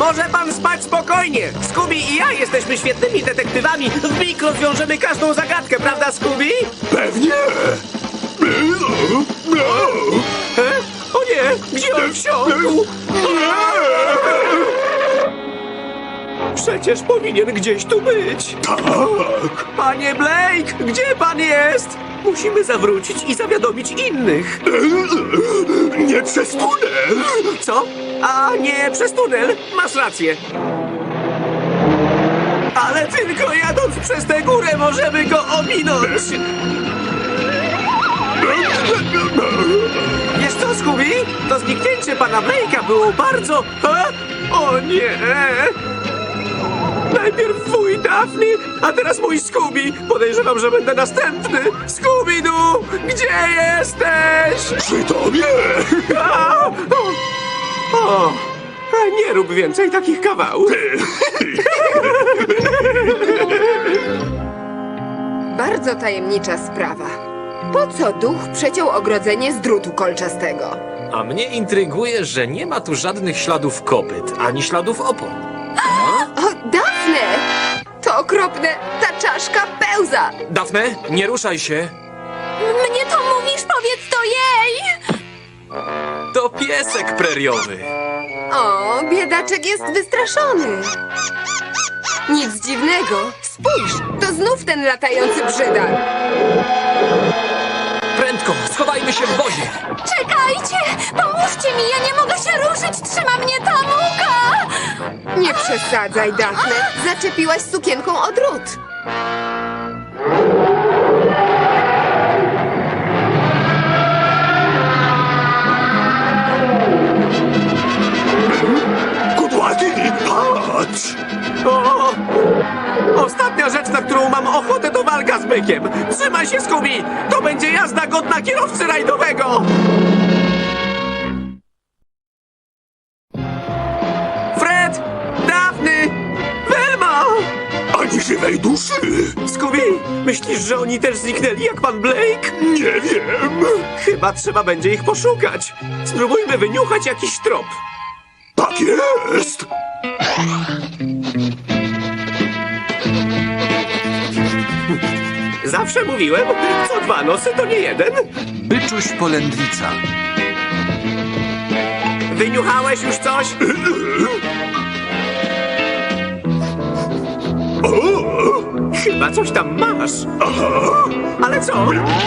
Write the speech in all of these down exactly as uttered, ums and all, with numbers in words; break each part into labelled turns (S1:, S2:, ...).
S1: Może pan spać spokojnie. Scooby i ja jesteśmy świetnymi detektywami. W mig rozwiążemy każdą zagadkę, prawda, Scooby?
S2: Pewnie!
S1: E? O nie, gdzie on wsiąkł? Przecież powinien gdzieś tu być.
S2: Tak!
S1: Panie Blake, gdzie pan jest? Musimy zawrócić i zawiadomić innych.
S2: Nie przez tunel!
S1: Co? A nie przez tunel? Masz rację. Ale tylko jadąc przez tę górę możemy go ominąć. Wiesz co, Scooby? To zniknięcie pana Blake'a było bardzo... A? O nie! Najpierw wuj Daphne, a teraz mój Scooby. Podejrzewam, że będę następny. Scooby-Doo, gdzie jesteś?
S2: Przy tobie!
S1: A! O! O! A nie rób więcej takich kawałów.
S3: Bardzo tajemnicza sprawa. Po co duch przeciął ogrodzenie z drutu kolczastego?
S4: A mnie intryguje, że nie ma tu żadnych śladów kopyt, ani śladów opon.
S3: O, Dafne! To okropne! Ta czaszka pełza!
S4: Dafne, nie ruszaj się.
S5: Mnie to mówisz, powiedz to jej!
S4: To piesek preriowy.
S3: O, biedaczek jest wystraszony. Nic dziwnego. Spójrz, to znów ten latający brzydal.
S4: Prędko, schowajmy się w wozie.
S5: Czekajcie! Pomóżcie mi, ja nie mogę się ruszyć! Trzyma mnie ta mucha!
S3: Nie przesadzaj, Dafne. Zaczepiłaś sukienką o drut.
S2: Kudłaty, patrz!
S1: O! Ostatnia rzecz, na którą mam ochotę, to walka z bykiem. Trzymaj się, Scooby! To będzie jazda godna kierowcy rajdowego! Fred! Daphne! Velma!
S2: Ani żywej duszy!
S1: Scooby, myślisz, że oni też zniknęli jak pan Blake?
S2: Nie wiem!
S1: Chyba trzeba będzie ich poszukać. Spróbujmy wyniuchać jakiś trop.
S2: Tak jest!
S1: Zawsze mówiłem, co dwa nosy to nie jeden.
S6: Byczuś polędwica.
S1: Wyniuchałeś już coś? Chyba coś tam masz. Ale co?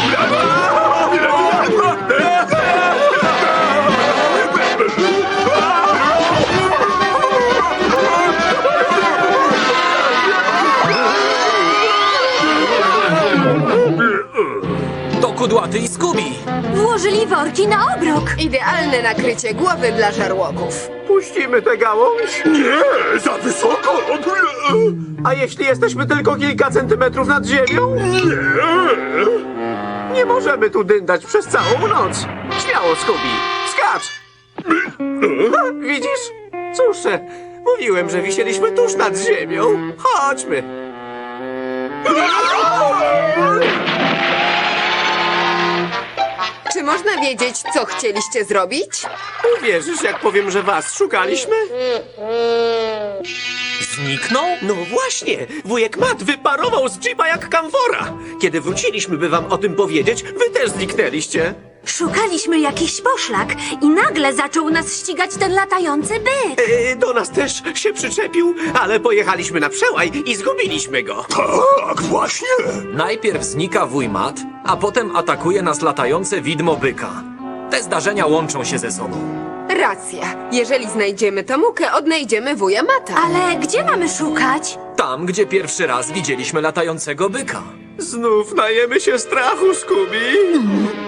S4: To Kudłaty i Scooby.
S5: Włożyli worki na obrok.
S3: Idealne nakrycie głowy dla żarłoków.
S1: Puścimy tę gałąź?
S2: Nie! Za wysoko!
S1: A jeśli jesteśmy tylko kilka centymetrów nad ziemią?
S2: Nie!
S1: Nie możemy tu dyndać przez całą noc. Śmiało, Scooby. Skacz! Ha, widzisz? Cóż, e, mówiłem, że wisieliśmy tuż nad ziemią. Chodźmy.
S3: Czy można wiedzieć, co chcieliście zrobić?
S1: Uwierzysz, jak powiem, że was szukaliśmy?
S4: Zniknął?
S1: No właśnie, wujek Matt wyparował z jeepa jak kamfora. Kiedy wróciliśmy, by wam o tym powiedzieć, wy też zniknęliście.
S5: Szukaliśmy jakiś poszlak i nagle zaczął nas ścigać ten latający byk.
S1: E, do nas też się przyczepił, ale pojechaliśmy na przełaj i zgubiliśmy go.
S2: Tak, właśnie!
S4: Najpierw znika wuj Matt, a potem atakuje nas latające widmo byka. Te zdarzenia łączą się ze sobą.
S3: Racja. Jeżeli znajdziemy tę mukę, odnajdziemy wuja Mata.
S5: Ale gdzie mamy szukać?
S4: Tam, gdzie pierwszy raz widzieliśmy latającego byka.
S1: Znów najemy się strachu, Scooby.